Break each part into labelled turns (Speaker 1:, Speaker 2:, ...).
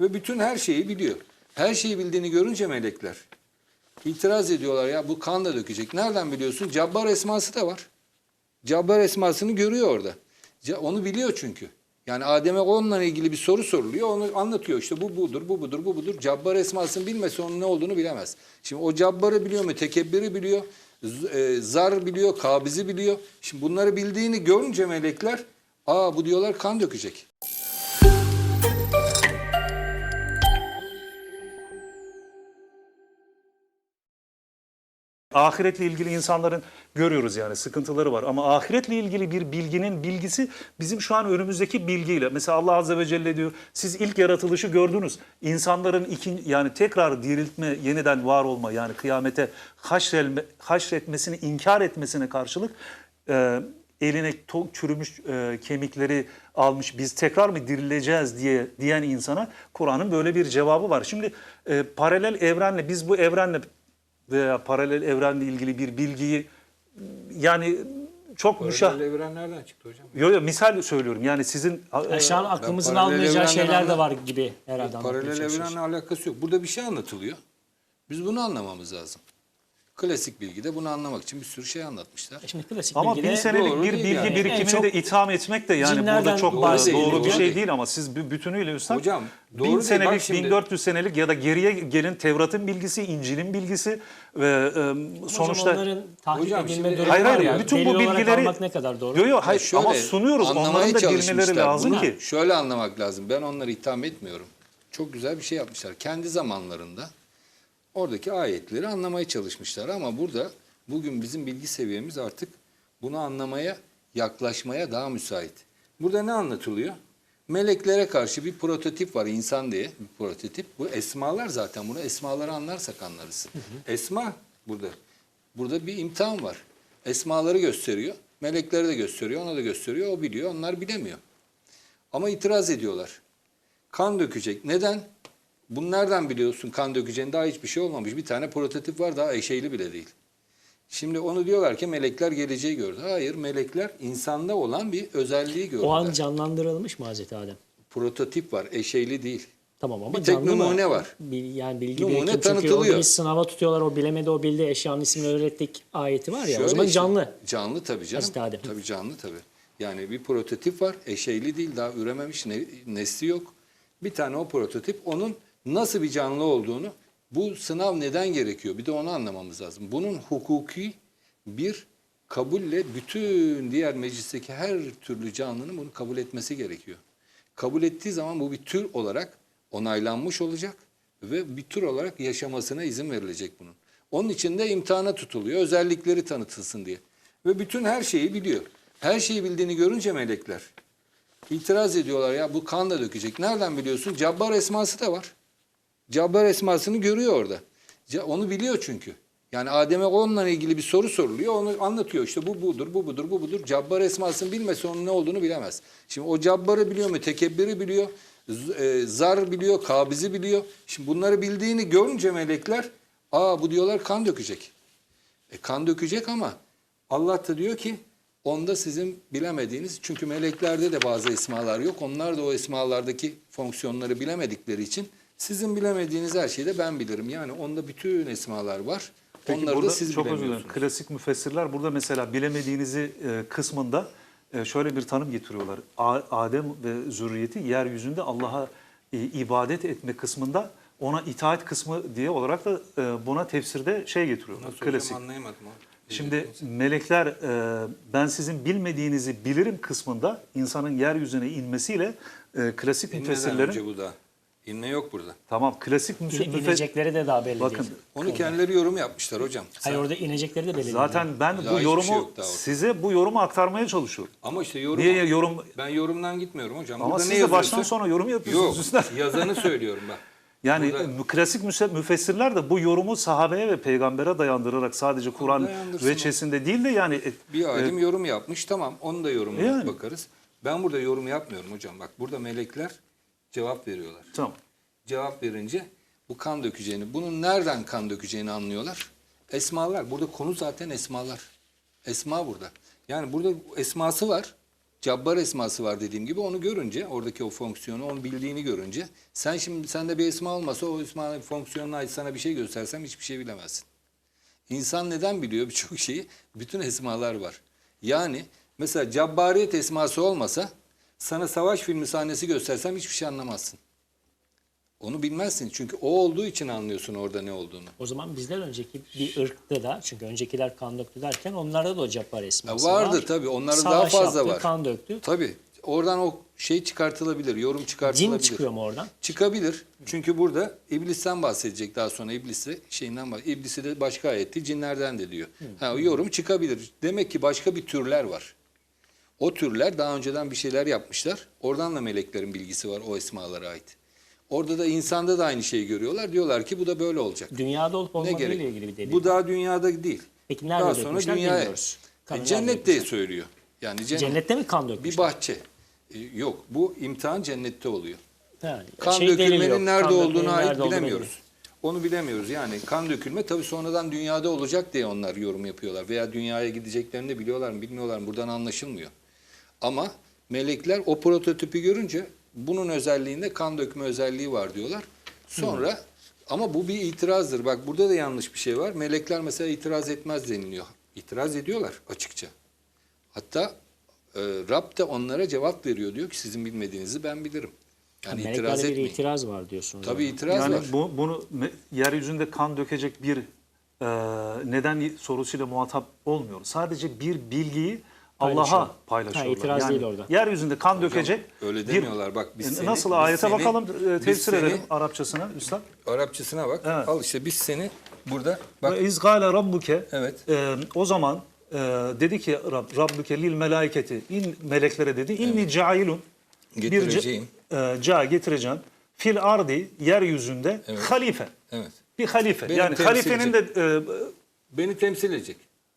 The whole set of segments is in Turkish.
Speaker 1: Ve bütün her şeyi biliyor. Her şeyi bildiğini görünce melekler itiraz ediyorlar, ya bu kan da dökecek. Nereden biliyorsun? Cabbar esması da var. Cabbar esmasını görüyor orada. Onu biliyor çünkü. Yani Adem'e onunla ilgili bir soru soruluyor. Onu anlatıyor. İşte bu budur, bu budur, bu budur. Cabbar esmasını bilmese onun ne olduğunu bilemez. Şimdi o cabbarı biliyor, mütekebbiri biliyor, zar biliyor, kabizi biliyor. Şimdi bunları bildiğini görünce melekler, bu diyorlar kan dökecek.
Speaker 2: Ahiretle ilgili insanların görüyoruz yani sıkıntıları var. Ama ahiretle ilgili bir bilginin bilgisi bizim şu an önümüzdeki bilgiyle. Mesela Allah Azze ve Celle diyor, siz ilk yaratılışı gördünüz. İnsanların yani tekrar diriltme, yeniden var olma, yani kıyamete haşretmesini inkar etmesine karşılık eline çürümüş kemikleri almış, biz tekrar mı dirileceğiz diyen insana Kur'an'ın böyle bir cevabı var. Şimdi paralel evrenle, biz bu evrenle veya paralel evrenle ilgili bir bilgiyi, yani çok
Speaker 1: Paralel evren nereden çıktı hocam?
Speaker 2: Yo, misal söylüyorum. Yani sizin
Speaker 3: Şu an aklımızın
Speaker 1: paralel
Speaker 3: almayacağı
Speaker 1: evrenden
Speaker 3: şeyler de var gibi herhalde.
Speaker 1: Paralel evrenle alakası yok. Burada bir şey anlatılıyor. Biz bunu anlamamız lazım. Klasik bilgide bunu anlamak için bir sürü şey anlatmışlar.
Speaker 3: Şimdi klasik
Speaker 2: ama
Speaker 3: bilgide
Speaker 2: 1000 senelik
Speaker 1: doğru
Speaker 2: bir
Speaker 1: değil
Speaker 2: bilgi
Speaker 1: yani.
Speaker 2: birikimini de itham etmek de yani burada
Speaker 3: cinlerden
Speaker 2: çok
Speaker 3: bahsediyor.
Speaker 2: doğru bir
Speaker 1: Doğru
Speaker 2: şey
Speaker 1: değil.
Speaker 2: değil ama siz bütünüyle üstad
Speaker 1: Hocam, doğru
Speaker 2: 1000
Speaker 1: değil.
Speaker 2: senelik,
Speaker 1: Bak şimdi-
Speaker 2: 1400 senelik ya da geriye gelin Tevrat'ın bilgisi, İncil'in bilgisi ve sonuçta
Speaker 3: onların tahkik
Speaker 1: Hocam,
Speaker 3: edilme
Speaker 1: şimdi-
Speaker 3: durumu
Speaker 2: hayır
Speaker 3: var
Speaker 2: hayır
Speaker 3: ya.
Speaker 2: bütün bu
Speaker 3: Delil olarak
Speaker 2: bilgileri
Speaker 3: almak ne kadar doğru?
Speaker 2: Yo hayır
Speaker 1: Şöyle,
Speaker 2: ama sunuyoruz.
Speaker 1: anlamaya
Speaker 2: Onların da
Speaker 1: çalışmışlar.
Speaker 2: bilmeleri lazım
Speaker 1: Bunu
Speaker 2: ki.
Speaker 1: şöyle anlamak lazım. Ben onları itham etmiyorum. Çok güzel bir şey yapmışlar. Kendi zamanlarında oradaki ayetleri anlamaya çalışmışlar ama burada bugün bizim bilgi seviyemiz artık bunu anlamaya, yaklaşmaya daha müsait. Burada ne anlatılıyor? Meleklere karşı bir prototip var, insan diye bir prototip. Bu esmalar zaten, bunu esmaları anlarsak anlarız. Esma burada. Burada bir imtihan var. Esmaları gösteriyor, melekleri de gösteriyor, ona da gösteriyor, o biliyor, onlar bilemiyor. Ama itiraz ediyorlar. Kan dökecek. Neden? Bunu nereden biliyorsun kan dökeceğini? Daha hiçbir şey olmamış. Bir tane prototip var, daha eşeğli bile değil. Şimdi onu diyorlar ki melekler geleceği gördü. Hayır, melekler insanda olan bir özelliği gördüler.
Speaker 3: O an canlandırılmış mı Hazreti Adem?
Speaker 1: Prototip var, eşeğli değil.
Speaker 3: Tamam ama
Speaker 1: Bir tek
Speaker 3: canlı mı?
Speaker 1: numune var.
Speaker 3: Yani bilgi
Speaker 1: Numune
Speaker 3: birikim çünkü
Speaker 1: tanıtılıyor.
Speaker 3: orada bir sınava tutuyorlar, o bilemedi, o bildi, eşyanın ismini öğrettik ayeti var ya.
Speaker 1: Şöyle
Speaker 3: o zaman
Speaker 1: işte,
Speaker 3: canlı.
Speaker 1: Canlı tabii canım.
Speaker 3: Hazreti Adem.
Speaker 1: Tabii canlı tabii. Yani bir prototip var, eşeğli değil, daha ürememiş, nesli yok. Bir tane o prototip, onun nasıl bir canlı olduğunu, bu sınav neden gerekiyor? Bir de onu anlamamız lazım. Bunun hukuki bir kabulle bütün diğer meclisteki her türlü canlının bunu kabul etmesi gerekiyor. Kabul ettiği zaman bu bir tür olarak onaylanmış olacak ve bir tür olarak yaşamasına izin verilecek bunun. Onun için de imtihana tutuluyor, özellikleri tanıtılsın diye. Ve bütün her şeyi biliyor. Her şeyi bildiğini görünce melekler itiraz ediyorlar, ya bu kan da dökecek. Nereden biliyorsun? Cabbar esması da var. Cabbar esmasını görüyor orada. Onu biliyor çünkü. Yani Adem'e onunla ilgili bir soru soruluyor. Onu anlatıyor. İşte bu budur, bu budur, bu budur. Cabbar esmasını bilmese onun ne olduğunu bilemez. Şimdi o cabbarı biliyor, mütekebbiri biliyor, zar biliyor, kabizi biliyor. Şimdi bunları bildiğini görünce melekler, bu diyorlar kan dökecek. Kan dökecek ama Allah da diyor ki onda sizin bilemediğiniz, çünkü meleklerde de bazı esmalar yok. Onlar da o esmalardaki fonksiyonları bilemedikleri için sizin bilemediğiniz her şeyi de ben bilirim. Yani onda bütün esmalar var.
Speaker 2: Peki
Speaker 1: Onları
Speaker 2: burada
Speaker 1: da siz
Speaker 2: çok özür
Speaker 1: bilemiyorsunuz.
Speaker 2: dilerim. Klasik müfessirler burada mesela bilemediğinizi kısmında şöyle bir tanım getiriyorlar. Adem ve zürriyeti yeryüzünde Allah'a ibadet etme kısmında ona itaat kısmı diye olarak da buna tefsirde getiriyorlar.
Speaker 1: Nasıl
Speaker 2: Klasik.
Speaker 1: hocam, anlayamadım o.
Speaker 2: Şimdi melekler ben sizin bilmediğinizi bilirim kısmında insanın yeryüzüne inmesiyle klasik
Speaker 1: İnneden
Speaker 2: müfessirlerin
Speaker 1: önce bu da. İnne yok burada.
Speaker 2: tamam klasik
Speaker 3: İnecekleri de daha belli
Speaker 2: bakın
Speaker 3: değil.
Speaker 1: Onu kendileri yorum yapmışlar hocam.
Speaker 3: Hayır, orada inecekleri de belli değil.
Speaker 2: zaten ben
Speaker 1: Daha
Speaker 2: bu
Speaker 1: hiçbir
Speaker 2: yorumu
Speaker 1: şey yok daha orada.
Speaker 2: size bu yorumu aktarmaya çalışıyorum.
Speaker 1: Ama işte yorum.
Speaker 2: Niye yorum
Speaker 1: Ben yorumdan gitmiyorum hocam.
Speaker 2: ama
Speaker 1: Burada
Speaker 2: siz
Speaker 1: ne
Speaker 2: de
Speaker 1: yazıyorsa-
Speaker 2: baştan sona yorum yapıyorsunuz
Speaker 1: Yok,
Speaker 2: üstad.
Speaker 1: yazanı söylüyorum ben.
Speaker 2: Yani
Speaker 1: Burada-
Speaker 2: klasik müfessirler de bu yorumu sahabeye ve peygambere dayandırarak sadece Kur'an
Speaker 1: dayandırsın
Speaker 2: veçesinde değil de yani
Speaker 1: Bir alim yorum yapmış, tamam, onu da yorumuna
Speaker 2: Yani.
Speaker 1: bakarız. Ben burada yorum yapmıyorum hocam. Bak burada melekler cevap veriyorlar.
Speaker 2: tamam.
Speaker 1: Cevap verince bu kan dökeceğini, bunun nereden kan dökeceğini anlıyorlar. Esmalar, burada konu zaten esmalar. Esma burada. Yani burada esması var. Cabbar esması var dediğim gibi, onu görünce, oradaki o fonksiyonu, onu bildiğini görünce, sen şimdi sende bir esma olmasa o esmanın fonksiyonuna ait sana bir şey göstersem hiçbir şey bilemezsin. İnsan neden biliyor birçok şeyi? Bütün esmalar var. Yani mesela Cabbariyet esması olmasa sana savaş filmi sahnesi göstersem hiçbir şey anlamazsın. Onu bilmezsin çünkü o olduğu için anlıyorsun orada ne olduğunu.
Speaker 3: O zaman bizden önceki bir ırkta da, çünkü öncekiler kan döktü derken onlarda da o Cabbar esması
Speaker 1: Vardı
Speaker 3: var.
Speaker 1: tabii, onların daha
Speaker 3: Savaş
Speaker 1: fazla
Speaker 3: yaptı,
Speaker 1: var.
Speaker 3: kan döktü.
Speaker 1: Tabii oradan o şey çıkartılabilir, yorum çıkartılabilir.
Speaker 3: Cin çıkıyor mu oradan?
Speaker 1: Çıkabilir. Çünkü burada iblisten bahsedecek daha sonra, iblisi şeyinden bahsedecek. İblisi de başka ayetti, cinlerden de diyor. Ha, o yorum çıkabilir. Demek ki başka bir türler var. O türler daha önceden bir şeyler yapmışlar. Oradan da meleklerin bilgisi var o esmalara ait. Orada da insanda da aynı şeyi görüyorlar. Diyorlar ki bu da böyle olacak.
Speaker 3: Dünyada olup
Speaker 1: Ne
Speaker 3: olmadığıyla
Speaker 1: gerek?
Speaker 3: ilgili bir delil.
Speaker 1: Bu daha dünyada değil.
Speaker 3: Peki nerede
Speaker 1: daha sonra
Speaker 3: dökmüşler
Speaker 1: dünyaya.
Speaker 3: bilmiyoruz. Kanı nerede
Speaker 1: Cennette
Speaker 3: dökmüşler?
Speaker 1: söylüyor. Yani
Speaker 3: Cennette mi kan dökmüşler?
Speaker 1: bir bahçe. Yok, bu imtihan cennette oluyor.
Speaker 3: Yani
Speaker 1: Kan
Speaker 3: delili
Speaker 1: dökülmenin
Speaker 3: yok.
Speaker 1: nerede
Speaker 3: Kan dökmenin
Speaker 1: olduğuna ait
Speaker 3: nerede olduğunu
Speaker 1: bilemiyoruz. Onu bilemiyoruz. Yani kan dökülme tabii sonradan dünyada olacak diye onlar yorum yapıyorlar. Veya dünyaya gideceklerini de biliyorlar mı bilmiyorlar mı, buradan anlaşılmıyor. Ama melekler o prototipi görünce bunun özelliğinde kan dökme özelliği var diyorlar. Sonra ama bu bir itirazdır. Bak burada da yanlış bir şey var. Melekler mesela itiraz etmez deniliyor. İtiraz ediyorlar açıkça. Hatta Rab de onlara cevap veriyor. Diyor ki sizin bilmediğinizi ben bilirim. Yani itiraz
Speaker 3: Meleklerde bir
Speaker 1: etmeyin.
Speaker 3: itiraz var diyorsunuz.
Speaker 1: Tabii
Speaker 3: yani.
Speaker 1: itiraz
Speaker 2: Yani
Speaker 1: var.
Speaker 2: bunu yeryüzünde kan dökecek bir neden sorusuyla muhatap olmuyoruz. Sadece bir bilgiyi
Speaker 3: Paylaşıyor.
Speaker 2: Allah'a paylaşıyorlar.
Speaker 3: Ha, itiraz değil orada.
Speaker 2: Yeryüzünde kan dökecek
Speaker 1: Öyle
Speaker 2: bir...
Speaker 1: demiyorlar. Bak biz seni,
Speaker 2: Nasıl
Speaker 1: biz
Speaker 2: ayete
Speaker 1: seni-
Speaker 2: bakalım,
Speaker 1: biz
Speaker 2: tefsir
Speaker 1: seni-
Speaker 2: edelim Arapçasına üstad.
Speaker 1: Arapçasına bak.
Speaker 2: Evet.
Speaker 1: Al işte biz seni burada bak.
Speaker 2: Ve izgâle rabbuke,
Speaker 1: Evet.
Speaker 2: o zaman dedi ki Rabbuke lil melaiketi, meleklere dedi, inni cailun,
Speaker 1: Getireceğim.
Speaker 2: getireceğim fil ardi, yeryüzünde halife.
Speaker 1: Evet.
Speaker 2: Bir halife.
Speaker 1: Benim
Speaker 2: Yani
Speaker 1: temsil
Speaker 2: halifenin de
Speaker 1: Beni temsil edecek.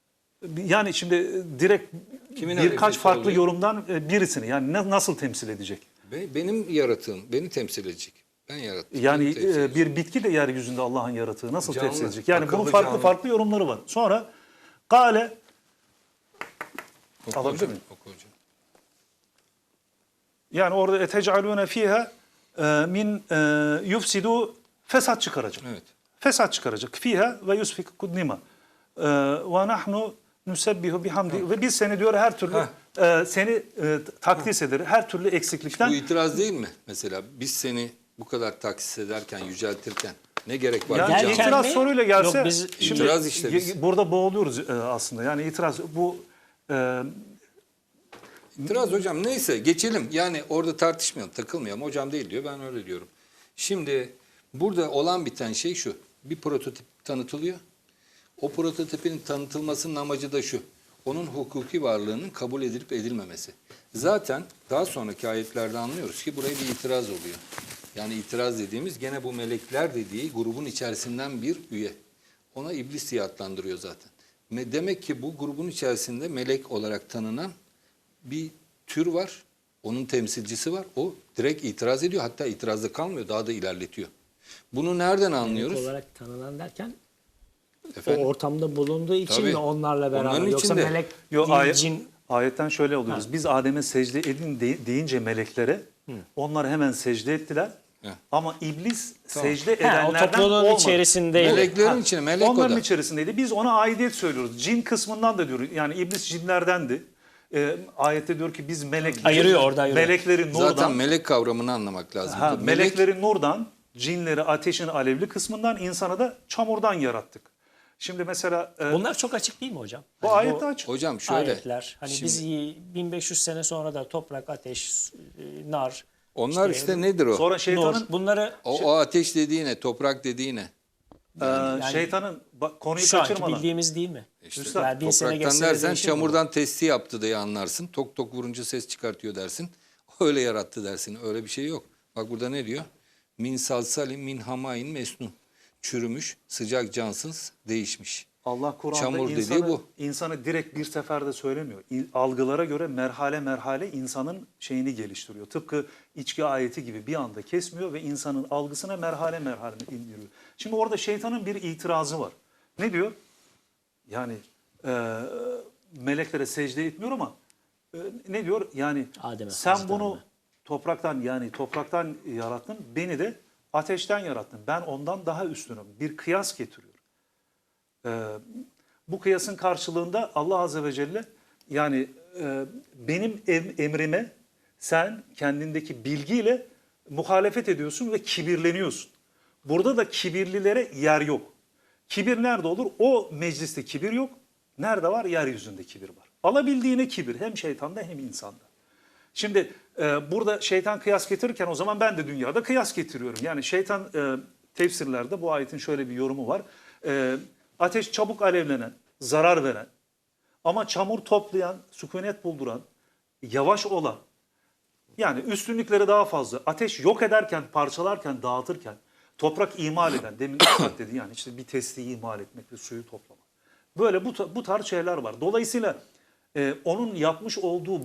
Speaker 2: yani şimdi direkt
Speaker 1: Kimin
Speaker 2: birkaç
Speaker 1: halifesi
Speaker 2: farklı
Speaker 1: oluyor?
Speaker 2: yorumdan birisini yani nasıl temsil edecek?
Speaker 1: Benim yaratığım beni temsil edecek. Ben yarattım.
Speaker 2: Yani
Speaker 1: beni temsil edecek.
Speaker 2: bir bitki de yeryüzünde Allah'ın yaratığı nasıl
Speaker 1: Canlı,
Speaker 2: temsil edecek? Yani bunun
Speaker 1: akıllı
Speaker 2: farklı
Speaker 1: canlı.
Speaker 2: farklı yorumları var. Sonra Gale
Speaker 1: Oku
Speaker 2: alabilir
Speaker 1: hocam,
Speaker 2: miyim?
Speaker 1: oku hocam.
Speaker 2: Yani orada etecalune fiha min yufsidu, fesat çıkaracak.
Speaker 1: Evet.
Speaker 2: Fesat çıkaracak. Fiha ve yusfik kudnima. Ve nahnu nusebbihu bihamdi. Ve biz seni diyor her türlü seni takdis ederiz. Her türlü eksiklikten.
Speaker 1: Bu itiraz değil mi? Mesela biz seni bu kadar taksis ederken, yüceltirken ne gerek var?
Speaker 2: Yani
Speaker 1: Canlı.
Speaker 3: Derken
Speaker 2: itiraz
Speaker 3: mi?
Speaker 2: soruyla gelse
Speaker 3: Yok, biz-
Speaker 2: şimdi
Speaker 1: İtiraz işte biz.
Speaker 2: burada boğuluyoruz aslında. Yani itiraz bu
Speaker 1: İtiraz hocam neyse geçelim. Yani orada tartışmayalım, takılmayalım. Hocam değil diyor, ben öyle diyorum. Şimdi burada olan biten şey şu. Bir prototip tanıtılıyor. O prototipin tanıtılmasının amacı da şu. Onun hukuki varlığının kabul edilip edilmemesi. Zaten daha sonraki ayetlerde anlıyoruz ki buraya bir itiraz oluyor. Yani itiraz dediğimiz gene bu melekler dediği grubun içerisinden bir üye. Ona iblis diye adlandırıyor zaten. Demek ki bu grubun içerisinde melek olarak tanınan bir tür var. Onun temsilcisi var. O direkt itiraz ediyor. Hatta itirazda kalmıyor. Daha da ilerletiyor. Bunu nereden anlıyoruz?
Speaker 3: Melek olarak tanınan derken
Speaker 1: Efendim?
Speaker 3: o ortamda bulunduğu için
Speaker 1: Tabii.
Speaker 3: mi onlarla beraber?
Speaker 1: Onların
Speaker 3: Yoksa
Speaker 1: içinde.
Speaker 3: melek
Speaker 2: Yo,
Speaker 3: değil, cin.
Speaker 2: ayetten şöyle oluyoruz. Biz Adem'e secde edin deyince meleklere onlar hemen secde ettiler.
Speaker 1: He.
Speaker 2: Ama iblis
Speaker 1: Tamam.
Speaker 2: secde
Speaker 3: O
Speaker 2: edenlerden
Speaker 3: topluluğun
Speaker 2: olmadı.
Speaker 3: içerisindeydi.
Speaker 1: Meleklerin içine melek
Speaker 2: Onların
Speaker 1: o da.
Speaker 2: içerisindeydi. Biz ona aidiyet söylüyoruz. Cin kısmından da diyoruz. Yani iblis cinlerdendi. Ayette diyor ki biz
Speaker 3: Ayırıyor, orada ayırıyor.
Speaker 2: melekleri nurdan,
Speaker 1: Zaten melek kavramını anlamak lazım. Melek,
Speaker 2: melekleri nurdan, cinleri ateşin alevli kısmından, insana da çamurdan yarattık. Şimdi mesela
Speaker 3: Bunlar çok açık değil mi hocam?
Speaker 2: bu
Speaker 3: Hani
Speaker 2: ayette açık.
Speaker 1: hocam şöyle.
Speaker 3: Ayetler. Hani
Speaker 1: şimdi
Speaker 3: biz 1500 sene sonra da toprak, ateş, nar,
Speaker 1: onlar işte nedir o?
Speaker 2: Sonra şeytanın
Speaker 3: nur, bunları
Speaker 1: O ateş dediği ne? Toprak dediği ne?
Speaker 2: şeytanın konuyu
Speaker 3: şu anki
Speaker 2: kaçırmadan.
Speaker 3: bildiğimiz değil mi?
Speaker 1: İşte
Speaker 3: Yani 1000 sene
Speaker 1: topraktan
Speaker 3: geçse de
Speaker 1: dersen
Speaker 3: değişir mi bu?
Speaker 1: çamurdan testi yaptı diye anlarsın. Tok tok vurunca ses çıkartıyor dersin. Öyle yarattı dersin. Öyle bir şey yok. Bak burada ne diyor? Min salsalim min hamain mesnun. Çürümüş, sıcak, cansız, değişmiş.
Speaker 2: Allah Kur'an'da
Speaker 1: Çamur dediği
Speaker 2: insanı,
Speaker 1: bu.
Speaker 2: insanı direkt bir seferde söylemiyor. Algılara göre merhale merhale insanın şeyini geliştiriyor. Tıpkı içki ayeti gibi bir anda kesmiyor ve insanın algısına merhale merhale indiriyor. Şimdi orada şeytanın bir itirazı var. Ne diyor? Yani meleklere secde etmiyor ama ne diyor? Yani
Speaker 3: Adem'e,
Speaker 2: sen
Speaker 3: Hazreti
Speaker 2: bunu
Speaker 3: Adem'e.
Speaker 2: topraktan yarattın. Beni de ateşten yarattın. Ben ondan daha üstünüm. Bir kıyas getiriyor. Bu kıyasın karşılığında Allah Azze ve Celle yani benim emrime sen kendindeki bilgiyle muhalefet ediyorsun ve kibirleniyorsun. Burada da kibirlilere yer yok. Kibir nerede olur? O mecliste kibir yok. Nerede var? Yeryüzünde kibir var. Alabildiğine kibir hem şeytanda hem insanda. Şimdi burada şeytan kıyas getirirken o zaman ben de dünyada kıyas getiriyorum. Yani şeytan tefsirlerde bu ayetin şöyle bir yorumu var. Ateş çabuk alevlenen, zarar veren ama çamur toplayan, sükunet bulduran, yavaş olan, yani üstünlükleri daha fazla. Ateş yok ederken, parçalarken, dağıtırken, toprak imal eden, demin Üstad dedi yani işte bir testiyi imal etmek ve suyu toplamak. Böyle bu tarz şeyler var. Dolayısıyla onun yapmış olduğu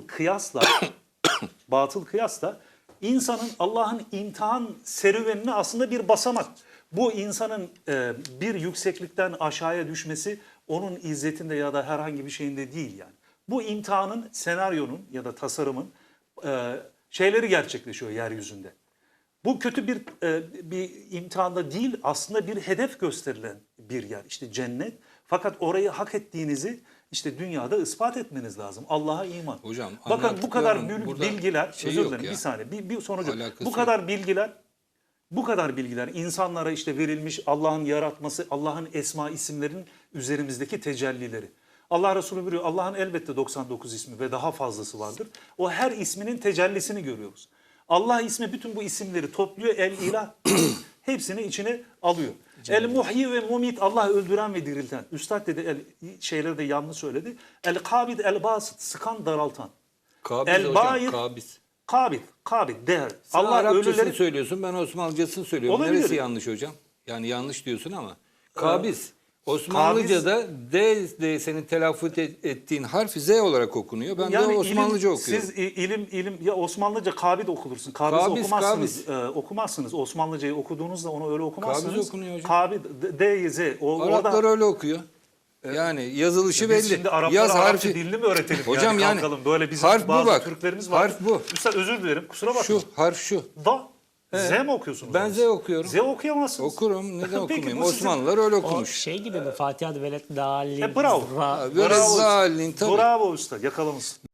Speaker 2: batıl kıyasla insanın Allah'ın imtihan serüvenine aslında bir basamak. Bu insanın bir yükseklikten aşağıya düşmesi onun izzetinde ya da herhangi bir şeyinde değil yani. Bu imtihanın, senaryonun ya da tasarımın şeyleri gerçekleşiyor yeryüzünde. Bu kötü bir imtihanda değil, aslında bir hedef gösterilen bir yer. İşte cennet. Fakat orayı hak ettiğinizi işte dünyada ispat etmeniz lazım. Allah'a iman.
Speaker 1: Hocam,
Speaker 2: bakın bu kadar
Speaker 1: anlattıkların burada
Speaker 2: bilgiler,
Speaker 1: şey
Speaker 2: özür
Speaker 1: yok
Speaker 2: dilerim
Speaker 1: ya.
Speaker 2: bir saniye, bir sonucu.
Speaker 1: Alakası
Speaker 2: Bu kadar bilgiler insanlara işte verilmiş, Allah'ın yaratması, Allah'ın esma isimlerin üzerimizdeki tecellileri. Allah Resulü buyuruyor, Allah'ın elbette 99 ismi ve daha fazlası vardır. O her isminin tecellisini görüyoruz. Allah ismi bütün bu isimleri topluyor, el-ilah hepsini içine alıyor. El-muhyi ve mumit, Allah öldüren ve dirilten. Üstad dedi, şeyleri de yanlış söyledi. El-kabid, el-basit, sıkan daraltan.
Speaker 1: Kabiz
Speaker 2: El-bayit,
Speaker 1: hocam, kabiz.
Speaker 2: kabid, değer.
Speaker 1: Sen
Speaker 2: Allah
Speaker 1: Arapçasını
Speaker 2: ölüleri...
Speaker 1: söylüyorsun, ben Osmanlıcasını söylüyorum.
Speaker 2: Olabilir.
Speaker 1: Neresi yanlış hocam? Yani yanlış diyorsun ama. Kabiz. Osmanlıca'da D senin telaffuz ettiğin harf Z olarak okunuyor. Ben de Osmanlıca okuyorum.
Speaker 2: Siz ilim ya Osmanlıca kabid okulursun. Kabiz okumazsınız. Osmanlıcayı okuduğunuzda onu öyle okumazsınız.
Speaker 1: Kabiz okunuyor hocam.
Speaker 2: Kabid, D, Z.
Speaker 1: Araplar öyle okuyor. Yani yazılışı
Speaker 2: Biz
Speaker 1: belli.
Speaker 2: şimdi Araplara
Speaker 1: Yaz
Speaker 2: Arapça
Speaker 1: harfi.
Speaker 2: dilini mi öğretelim?
Speaker 1: Hocam yani
Speaker 2: kalkalım. Böyle bizim
Speaker 1: harf bu
Speaker 2: bazı
Speaker 1: bak.
Speaker 2: Türklerimiz var.
Speaker 1: Harf bu.
Speaker 2: Üstad özür dilerim. Kusura bakma.
Speaker 1: Şu harf şu.
Speaker 2: Da. Z mi okuyorsunuz?
Speaker 1: Ben Z okuyorum.
Speaker 2: Z okuyamazsınız.
Speaker 1: Okurum. Neden
Speaker 2: Peki,
Speaker 1: okumayayım?
Speaker 2: bu sizin-
Speaker 1: Osmanlılar öyle
Speaker 3: O
Speaker 1: okumuş.
Speaker 3: şey gibi mi? Fatiha'da velet dalin.
Speaker 2: Bravo.
Speaker 1: Böyle
Speaker 2: Bravo.
Speaker 1: zalin tabii.
Speaker 2: Bravo usta. Yakalamışsın.